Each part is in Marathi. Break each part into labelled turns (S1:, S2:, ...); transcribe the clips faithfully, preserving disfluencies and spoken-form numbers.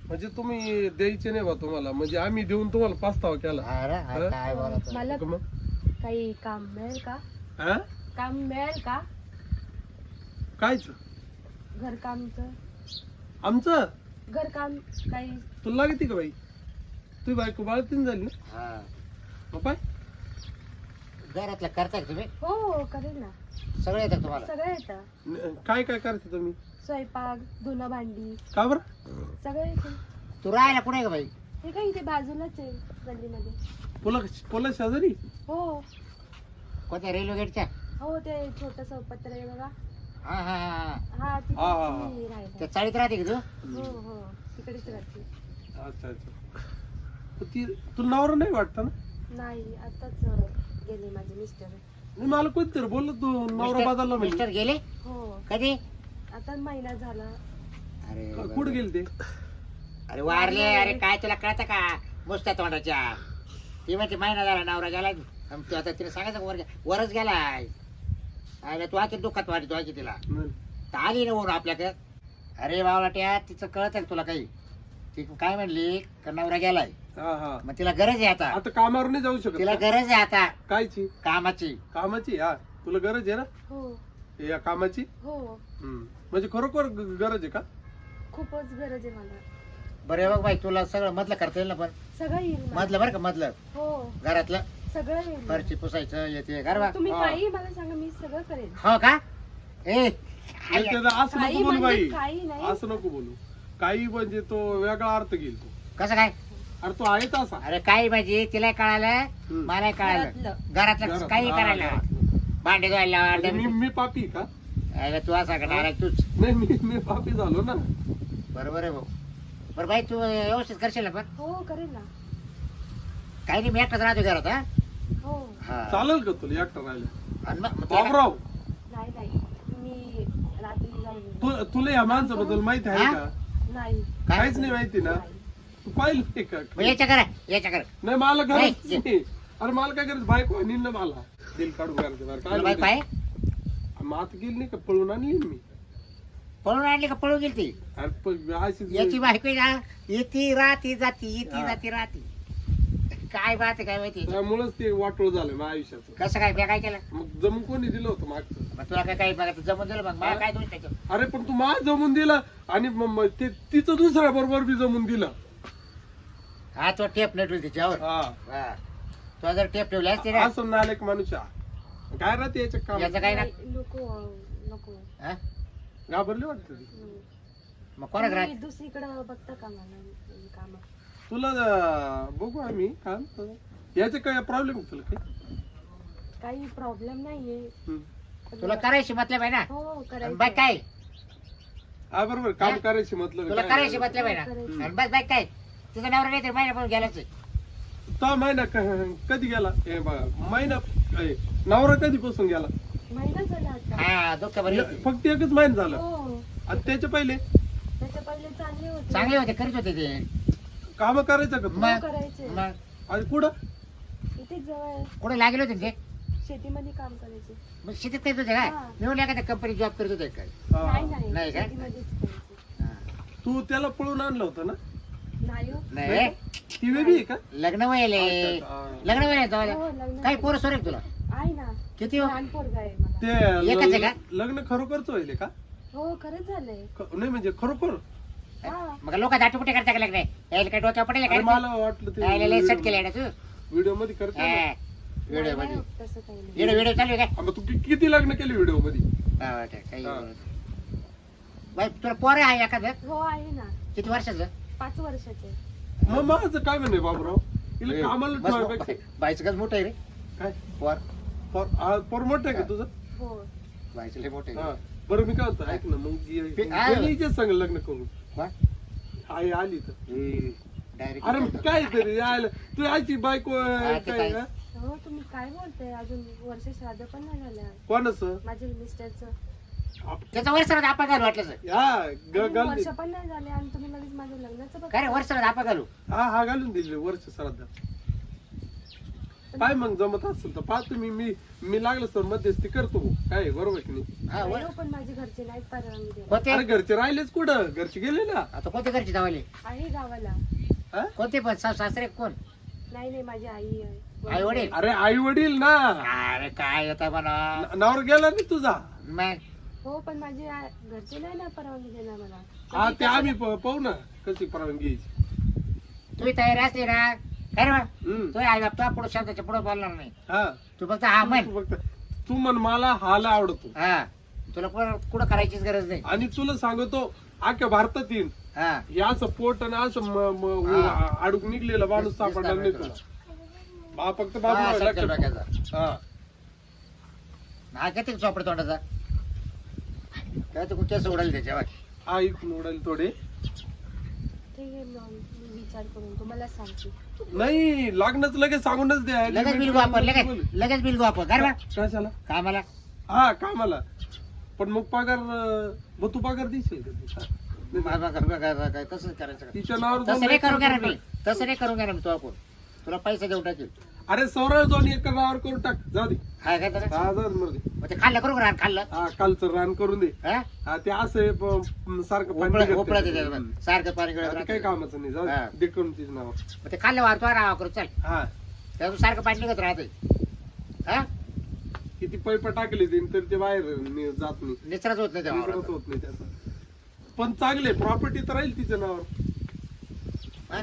S1: म्हणजे तुम्ही द्यायचे नाही बा तुम्हाला, म्हणजे आम्ही देऊन तुम्हाला पास्तावा केला.
S2: अरे अरे काय बोलत
S3: मला
S1: का मग?
S3: काही काम मिळेल का?
S1: हा?
S3: काम मिळेल का?
S1: कायच
S3: घरकामचं
S1: आमचं
S3: घरकाम काही
S1: तुला लागते का बाई? तुझी बायको बाळतीन झाली ना?
S2: हा
S1: मग पाय
S2: घरातलं करताय का तुम्ही?
S3: हो हो करेल ना.
S2: सगळं येतं तुम्हाला?
S3: सगळं येतं.
S1: न- काय काय करते तुम्ही?
S3: स्वयंपाक धुणं भांडी
S1: का बरं?
S3: सगळं येतं.
S2: तू राहायला कुठे का बाई?
S3: हे काय इथे बाजूलाच आहे गल्लीमध्ये.
S1: पुला पुला शेजारी?
S3: हो
S2: कोणत्या रेल्वे गेटच्या?
S3: हो ते छोटस पत्र आहे बघा.
S2: हा हा हा
S3: हा तिथे
S1: हा, हा, हा.
S3: मी राहायला.
S2: त्या चाळीत राहते का तू?
S3: हो हो तिकडेच राहते.
S1: अच्छा अच्छा. मग ती तुला नवरा नाही वाटत ना?
S3: नाही आताच अं, गेले माझे मिस्टर.
S1: नाही मला कोणतरी बोललो तू नवरा
S2: मिस्टर-
S1: बदलला
S2: मिस्टर
S1: म्हणजे.
S2: गेले
S3: हो
S2: कधी?
S3: आता महिना झाला.
S2: अरे
S1: क- कुठं गेले ते?
S2: अरे वारले. अरे काय तुला कळतं का मुसत्या तोंडाच्या? ती म्हणते महिना झाला नवरा गेला. आणि तू आता तिला सांगायचं का वर वरच गेलाय. अरे तू आखी दुःखात वाटतो आखी तिला
S1: नाही.
S2: तर आली ना वरून आपल्याकडे. अरे बावलाट्या तिचं कळत का तुला काही? ती काय म्हणली का नवरा गेलाय
S1: हा हा.
S2: मग तिला गरज आहे आता.
S1: आता कामावर नाही जाऊ शकत
S2: तिला
S1: का?
S2: गरज आहे आता
S1: कायची?
S2: कामाची.
S1: कामाची. हा तुला गरज आहे ना
S3: हो
S1: या कामाची?
S3: हो
S1: हम्म. म्हणजे खरोखर ग- गरज आहे का?
S3: खूपच गरज आहे मला.
S2: बरं हे बघ बाई तुला सगळं मधलं करता येईल ना? पण
S3: सगळं येईल मला.
S2: मधलं बरं का मधलं
S3: हो
S2: घरातलं
S3: सगळं येईल मला.
S2: फरची पुसायचं येते घर बा.
S3: तुम्ही
S1: हा.
S3: काही मला सांगा मी सगळं करेन.
S2: हो का? ए
S1: नाही, त्याचं असं
S3: काही
S1: नको बोलू
S3: म्हणजे
S1: बाई.
S3: काही नाही.
S1: असं नको बोलू. काही म्हणजे तो वेगळा अर्थ घेईल तो.
S2: कसं काय?
S1: अरे तो आहे तसा.
S2: अरे काही म्हणजे तिला कळालं
S1: हम्म.
S2: मला कळालं
S3: घरातलं.
S2: घरातलं
S1: घरात-
S2: काही
S1: हा,
S2: करायला
S1: घरातलं.
S2: भांडे धुवायला
S1: म्हणजे मी
S2: डबे-
S1: मी पापी का?
S2: अरे तू असा करणार तूच
S1: नाही मी मी पापी झालो ना.
S2: बरोबर आहे भाऊ. बरं बाई तू व्यवस्थित करशील ना? पण
S3: हो करेन ना.
S2: काही नाही मी एकटाच राहतो घरात. हा?
S3: हो
S2: हा
S1: चालेल का तुला एकटा राहिलं?
S2: आणि मग- मग तुला-
S1: बाबराव
S3: नाही नाही मी रात्री जाऊन येईन.
S1: तू तुला या माणसाबद्दल माहिती आहे
S2: हा?
S1: का?
S3: नाही
S2: काय?
S1: काहीच नाही माहिती ना?
S3: नाही.
S1: तू पाहिलं नाही का?
S2: मग याच्या करा याच्या करा
S1: नाही मला गरज
S2: नाही.
S1: नाही. अरे मला काय गरज? बायको आणि ना मला दिल काढून करायचं बरं. काय
S2: तुला बाई
S1: म्हणते?
S2: पाय
S1: मग आता गेली नाही का? पळून आणली ना मी.
S2: पळून आणली का? पळून गेली ती?
S1: अरे प- अशीच-
S2: याची बायको ना येती राहती जाती येती
S1: हा.
S2: जाती राहती. काय बात आहे काय माहिती?
S1: त्यामुळेच ते वाटोळ झालं माझ्या आयुष्याचं.
S2: कसं काय मी काय केलं?
S1: मग जमून कोणी दिलं होतं मागचं?
S2: मग तुला काय काही बघा जमून दिलं मग मला काय दोष त्याच्यात?
S1: अरे पण तू माझ जमून दिला आणि मग मग ते तिचं दुसऱ्या बरोबर बी जमून दिलं.
S2: हा तो टेप नाही ठेवली त्याच्यावर.
S1: हा
S2: हा तो जर टेप ठेवली असते ना
S1: असं नालेक माणूस आहे. काय राहते याच्या काम?
S2: याचं काय ना
S3: नाही, नको नको
S2: हा?
S1: घाबरली वाटत
S3: हम्म.
S2: मग कोणाक
S3: तुम्ही
S2: राहत?
S3: दुसरीकडं बघता का मला काम?
S1: तुला अं, बघू आम्ही काम याचे काय प्रॉब्लेम तुला काही?
S3: काही प्रॉब्लेम नाहीये.
S1: हम्म.
S2: तुला करायची मतलब आहे ना?
S3: हो
S2: आणि
S3: करायचं.
S2: बाय काय?
S1: हा बरोबर काम
S2: हा?
S1: करायची मतलब
S2: तुला करायची मतलब आहे ना?
S3: करायची.
S2: आणि बस बाय काय? तुझा नवरा नाही तर महिना पण गेलाच आहे.
S1: तो महिना क- कधी गेला? हे बघा महिना ए, नवरा कधीपासून गेला?
S3: महिना झाला आता.
S2: हा दुःख बरी
S1: ए, फक्त एकच महिना झाला.
S3: हो
S1: आणि त्याच्या पहिले
S3: त्याच्या पहिले चांगले होते.
S2: चांगले होते करीत होते ते.
S1: काम करायचं का तू?
S2: मग-
S3: हो, करायचे.
S2: मग
S1: आणि कुठं?
S3: इथेच जवळ
S2: कुठे लागले होते ते?
S3: शेतीमध्ये काम करायचे.
S2: मग शेतीत करत होते काय?
S3: हा.
S2: मी म्हणलं एखाद्या कंपनी जॉब करत होते काय?
S1: हा.
S3: नाही नाही
S2: नाही का?
S3: शेतीमध्येच करायचे.
S2: हा.
S1: तू त्याला पळून आणलं होतं ना?
S3: नाही हो.
S2: नाही
S1: ती वेगळी आहे का?
S2: लग्न वयले
S1: अच्छा, अच्छा.
S2: लग्न वय
S3: हो, लग्न
S2: काही पोरं सोरेल तुला
S3: आहे ना.
S2: किती हो?
S3: लहान पोरगा आहे मला.
S1: ते
S2: एकच आहे का?
S1: ल- लग्न खरोखरच होईल का?
S3: हो खरंच झालंय.
S1: ख- नाही म्हणजे खरोखर?
S3: हा.
S2: मग लोक दाटपुटे करता का लग्न यायला काय डोक्यावर पडेल
S1: अरे
S2: काय?
S1: मला वाटलं
S2: यायला लय सेट
S1: ते
S2: केलं ना तू
S1: व्हिडिओ मध्ये करते ना.
S2: व्हिडिओ
S3: नाही,
S2: मध्ये
S3: नाही, तसं काही नाही.
S2: व्हिडिओ व्हिडिओ चालू आहे काय?
S1: हा, मग तू कि- किती लग्न केली व्हिडिओ मध्ये?
S2: हा, वाटतं, काही
S1: हा.
S2: बाई तुला पोर आहे एखादं
S3: हो आहे ना.
S2: किती वर्षाचं?
S3: पाच वर्षाचे.
S1: मग माझं काय म्हणे बाबूराव? हिला कामाला
S2: बस,
S1: ठेवायपेक्षा
S2: बाईचं कसं मोठं आहे रे
S1: काय?
S2: पोर
S1: पोर- आ, पोर मोठं आहे का तुझं?
S3: हो
S2: बाईचं लय मोठं
S1: हा.
S2: आहे.
S1: बरं मी काय होतं ऐक ना मग
S2: ते- हा.
S1: हिच्याच सांग लग्न करू.
S2: कोण?
S1: आई आली तर
S2: डायरेक्ट
S1: अरे मग काय तरी यायला तू आयची बायको
S2: हा, ते
S1: काय
S2: काय?
S1: हा?
S3: हो तुम्ही काय बोलताय? अजून वर्ष श्राद्ध पण नाही झालं
S1: कोणाचं?
S3: माझ्या मिस्टरचं.
S2: त्याचं वर्षाला आपा घालू वाटलं सर.
S1: हा ग-
S3: अजून
S1: घालून
S3: वर्ष
S1: दे.
S3: पण नाही झाले आणि तुम्ही लगेच माझ्या लग्नाचं बघ.
S2: काय रे वर्षाला आपा घालू?
S1: हा हा घालून दिले वर्ष श्राद्ध.
S3: पण
S1: पाय मग जमत असेल तर पाहतो मी मी मी लागलं सर मध्यस्थी करतो काय आहे, बरोबर की नाही?
S2: हा, वर.
S3: नाही हो, पण माझे घरचे नाहीत परवानगी देणार.
S2: कोणते
S1: अरे घरचे राहिलेच कुठं घरचे गेले ना.
S2: आता कोणते घरचे जावाले
S3: आहे गावाला.
S1: हा?
S2: कोणते पण सासू सासरे कोण
S3: नाही नाही माझी आई आहे.
S2: आई वडील
S1: अरे आई वडील ना.
S2: अरे काय येतं म्हणा
S1: न- नवरा गेला नाही तुझा.
S2: मग
S3: हो पण माझे आ- घरचे नाही ना परवानगी देणार मला.
S1: हा ते आम्ही प- पाहू ना कशी परवानगी घ्यायची.
S2: तुम्ही तयारी असली ना काय रे बा?
S1: हम्म.
S2: तो आई बाप तुला पुढे शब्दाच्या पुढे बोलणार नाही
S1: हा
S2: तू फक्त हा म्हण
S1: तू फक्त तू म्हण मला हाला आवडतो
S2: हा तुला कुठं कुठं करायचीच गरज नाही
S1: आणि तुला सांगतो अख्ख्या भारतात येईन
S2: हा
S1: हे असं पोट आणि असं म- म-
S2: हा.
S1: अडूक निघलेला माणूस सापडणार नाही तुला. बा फक्त बाबू
S2: हा,
S1: लक्षात
S2: संकेत
S1: ठेव.
S2: डोक्याचा.
S1: हा
S2: हा किती चोपड तोंडाचा काय तू केस उडाल त्याच्या
S1: हा इथून उडाल थोडे.
S3: ठीक आहे मग मी विचार करून तुम्हाला सांगते.
S1: नाही लग्नच लगेच सांगूनच द्या.
S2: लगेच बिल गो आपण लगेच लगेच बिल गो आपण काय बा
S1: कशाला?
S2: कामाला
S1: हा कामाला. पण मग पगार अं, मग तू पगार दिसेल का तिचा?
S2: मा- मा- मा- मा- मा- काय तसंच करायचं का?
S1: तिच्या नावावर
S2: तसं
S1: जाऊन
S2: नाही करून घ्या ना
S1: एकर
S2: मी तसं नाही करून घ्या ना मी तो आपण तुला पैसे देऊन टाकेल
S1: अरे सौरव जाऊन एकर नावावर करून टाक जाऊ दे.
S2: हा काय तर
S1: हा जाऊ दे, मरू दे.
S2: मग ते खाल्लं करू का खाल्लं
S1: हा कालचं रान करून दे.
S2: हा
S1: हा ते असं आहे, प- सारखं पाणी
S2: उपळा
S1: निघत
S2: उपळा
S1: नाही.
S2: त्याच्यात सारखं पाणी गळत
S1: आता काही
S2: राहतं.
S1: कामाचं नाही जाऊ दे.
S2: हा.
S1: दे करून तिच्या नावावर.
S2: मग ते खाल्लं वारतो राहा करू चल
S1: हा
S2: त्यातून सारखं पाणी निघत राहते हा
S1: किती पैप टाकले ते तर ते बाहेर नि- जात नाही.
S2: निचराच होत नाही त्या
S1: विसरत
S2: वावरात.
S1: होत नाही त्याचा. पण चांगले प्रॉपर्टी तर राहील तिच्या नावावर.
S2: हा?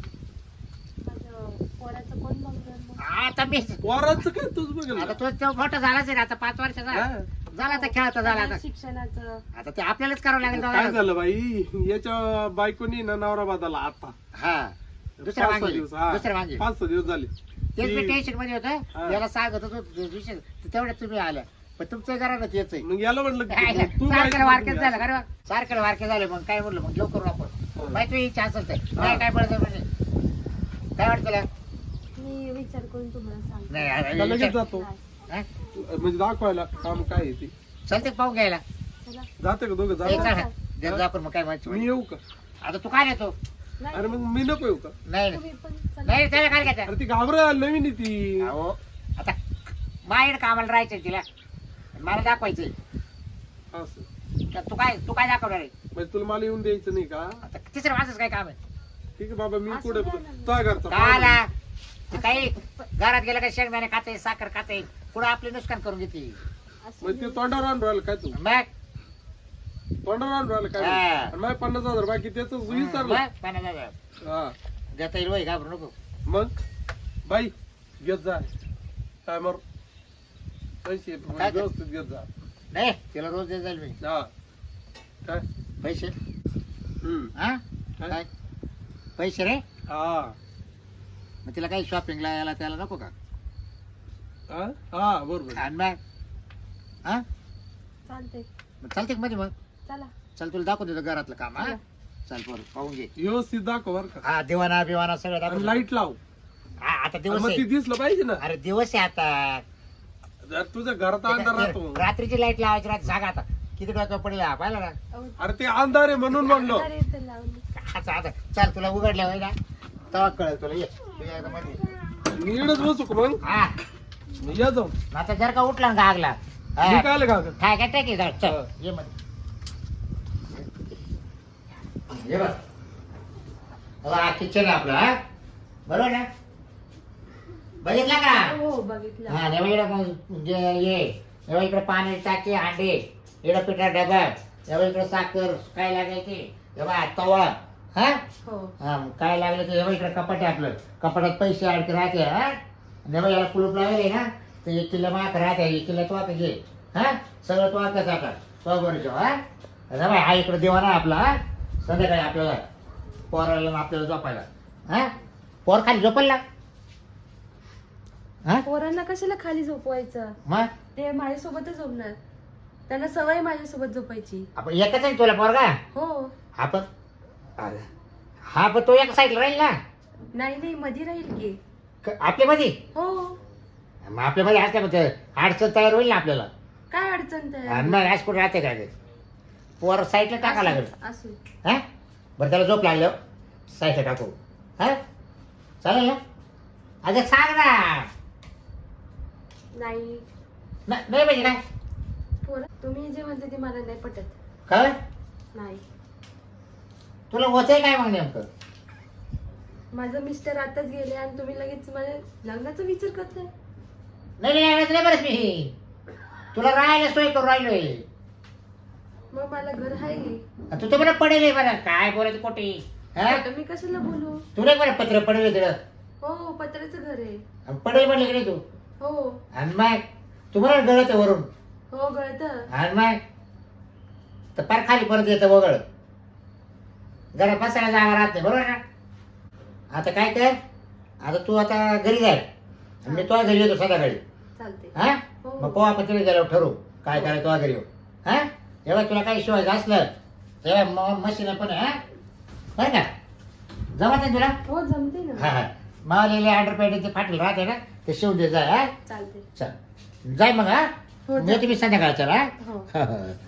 S3: माझं पोराचं कोण बघणार मग?
S2: आता मी
S1: पोराचं काय तुझ बघेल
S2: आता तो तो मोठा झालाच आहे ना आता पाच वर्षाचा
S1: हा.
S2: झाला आता खेळता झाला आता
S3: शिक्षणाचं
S2: आता ते आपल्यालाच करावं लागेल
S1: काय
S2: दोघांना.
S1: झालं बाई याच्या बायकोनी ना नवरा बदलला आता
S2: हा दुसऱ्या
S1: पाच सहा
S2: मागे
S1: दिवस हा.
S2: दुसऱ्या मागे
S1: पाच सहा दिवस झाले.
S2: तेच मी
S1: ती-
S2: टेन्शन मध्ये
S1: हा.
S2: होतं याला सांगत होतो विषय तेवढ्यात तुम्ही आल्या पण तुमचं घरात येत
S1: मग याला म्हणलं की तू
S2: सारखेला
S1: बायको
S2: वारकेच
S1: बघून
S2: झालं
S1: घ्या.
S2: का रे सारखेला वारके झाले मग काय म्हणलं मग घेऊ करू
S1: हा.
S2: आपण माहिती तुझी इच्छा असेल तर
S1: हा.
S2: काय काय पडतं म्हणजे काय वाटतं तुला
S3: मी विचार करून तुम्हाला सांगते.
S2: नाही आता
S1: का लगेच
S2: विचार-
S1: जातो
S3: नाही.
S2: हा?
S1: म्हणजे दाखवायला काम काय आहे ते.
S2: चालते पाहून घ्यायला
S3: चला.
S1: जाते का दोघं
S2: ए,
S1: जाते
S2: चला. जर जा आपण मग काय माहिती
S1: मी येऊ का?
S2: आता तू काय नेतो
S3: नाही,
S1: अरे मग मी नको येऊ का?
S2: नाही
S3: तुम्ही पण चला.
S2: नाही त्याला काय घ्यायचं
S1: अरे ती घाबरा नवीन आहे ती.
S2: अहो आता माहेर कामाला राहायचं तिला मला दाखवायचंय
S1: असं
S2: तर तू काय तू काय दाखवणार आहे
S1: म्हणजे तुला मला येऊन द्यायचं नाही का?
S2: आता तिसरं माझंच काय काम आहे
S1: ठीक आहे बाबा मी
S3: असं
S1: पुढे
S3: द्या ना.
S1: तुझ्या घरचा
S2: का आला ते काही घरात गेलं काय शेंगदाणे खाते साखर खाते पुढे आपले नुकसान करून घेते
S3: असं
S1: मग ते तोंडावर आणून राहिलं काय तू
S2: मग
S1: तोंडावर आणून राहिलं काय
S2: हा.
S1: आणि माझे पन्नास हजार बाकी त्याच विचारलं
S2: मग पन्नास हजार.
S1: हा
S2: देता येईल वय घाबरू नको
S1: मग बाई घेत जा काय मर पैसे
S2: काय?
S1: व्यवस्थित घेत जा.
S2: नाही तिला रोज देत जाईल मी
S1: हा काय
S2: पैसे
S1: हम्म
S2: हा
S1: काय?
S2: काय पैसे रे
S1: हा
S2: मग तिला काही शॉपिंगला यायला त्याला नको का
S1: हा हा बरोबर
S2: आणि मग हा
S3: चालते.
S2: मग चालते का मध्ये मग
S3: चला.
S2: चल तुला दाखवून देतो घरातलं काम हा
S3: चला.
S2: चल बरं पाहून घे
S1: व्यवस्थित दाखव बर का
S2: हा दिवाना बिवाना सगळं
S1: आणि
S2: दाखव
S1: लाईट लाव
S2: हा आता
S1: आणि
S2: दिवस
S1: मग ती
S2: आहे
S1: दिसलं पाहिजे ना.
S2: अरे दिवस आहे आता
S1: जर तुझ्या घरात अंधार राहतो
S2: रात्रीची लाईट लावायची रात जागा आता किती डोक्यावर पडेल हा, पाहिलं ना
S3: अहो,
S1: अरे ते अंधार आहे म्हणून म्हणलो.
S3: अरे ते लावली.
S2: आता आता चल तुला उघडल्या होय ना तेव्हा कळेल तुला ये तू या इथं मध्ये.
S1: मी इकडेच बसू का मग
S2: हा
S1: या जाऊ
S2: आता जर का उठला ना गागला
S1: मी काय आलं का
S2: काय काय टाकी जाऊ चल
S1: हा.
S2: ये मध्ये ये बघ हा किचन आहे आपलं हा बरोबर ना बघितला का
S3: हो बघितलं.
S2: हा एवढं इकडं जे ये एवढं इकडे पाणी टाकी अंडे इकडं पिठा डबा एवढं इकडे साखर काय लागायची एवढा तवा हा
S3: हो
S2: हा मग काय लागलं ते एवढं इकडे कपाट आहे आपलं कपाटात पैसे अडके राहते हा एवढं याला कुलूप लावले ना तर एक किलो माक राहते एक किलो तो आता घे हा सगळं तो आता जातात तो बरोबर हा अरे बाई, हा इकडे देवा ना आपला हा संध्याकाळी आपल्याला पोराला आपल्याला झोपायला हा पोर खाली झोपायला हा
S3: पोरांना कशाला खाली झोपवायचं?
S2: मग
S3: ते माझ्यासोबतच झोपणार. त्यांना सवय माझ्यासोबत झोपायची.
S2: आपण एकच आहे तुला पोरगा
S3: हो.
S2: हा पण अरे, हा पण तो एक साईडला राहील ना
S3: नाही नाही मध्ये राहील की.
S2: क- आपल्यामध्ये
S3: हो.
S2: मग आपल्यामध्ये असल्या म्हणजे अडचण तयार होईल ना आपल्याला
S3: काय अडचण
S2: आणि
S3: तर
S2: मग आज कुठे राहते काय ते पोर साईडला टाका लागेल
S3: असू.
S2: हा बरं त्याला झोप लागलं साईडला टाकू हा चालेल ना अगं सांग ना
S3: नाही
S2: ना- नाही म्हणजे काय
S3: पोरं तुम्ही जे म्हणते ते मला नाही पटत.
S2: काय
S3: नाही,
S2: तुला होतंय काय मग नेमकं?
S3: माझं मिस्टर आताच गेले आणि तुम्ही लगेच माझ्या लग्नाचा विचार करताय.
S2: नाही नाही नाही नाही बरंच मी तुला राहायला सोय करून राहिलोय.
S3: मग मला घर आहे.
S2: आणि तू तर मला पडेल मला काय बोलायचं कोटी हा
S3: आता मी कशाला बोलू.
S2: तुला मला पत्र पडेल तिकडं
S3: हो पत्र्याचं घर आहे.
S2: पडेल म्हणलं की नाही तू
S3: हो
S2: आणि मग तुम्हाला गळत वरून
S3: हो गळत.
S2: आणि मग तर फार खाली परत येतं वगळ जरा बसायला जागा राहत नाही बरोबर ना. आता काय कर आता तू आता घरी जाय आणि मी तुझ्या घरी येतो संध्याकाळी
S3: चालते.
S2: हा
S3: हो.
S2: मग पोहा आपण तिकडे गेल्यावर ठरवू काय करायचं तुझ्या घरी येऊ हा तेव्हा तुला काही शिवायचं असलं तेव्हा मशीन पण आहे हा बरं का जमत नाही तुला
S3: हो जमते
S2: हा
S3: ना.
S2: हा मावलेले अंडरपॅन्ट ते फाटेल राहते ना ते शिवून दे जाय हा
S3: चालते.
S2: चल जाय मग हा
S3: हो
S2: मी तुम्ही संध्याकाळच्या हा
S3: हो
S2: हा, हा.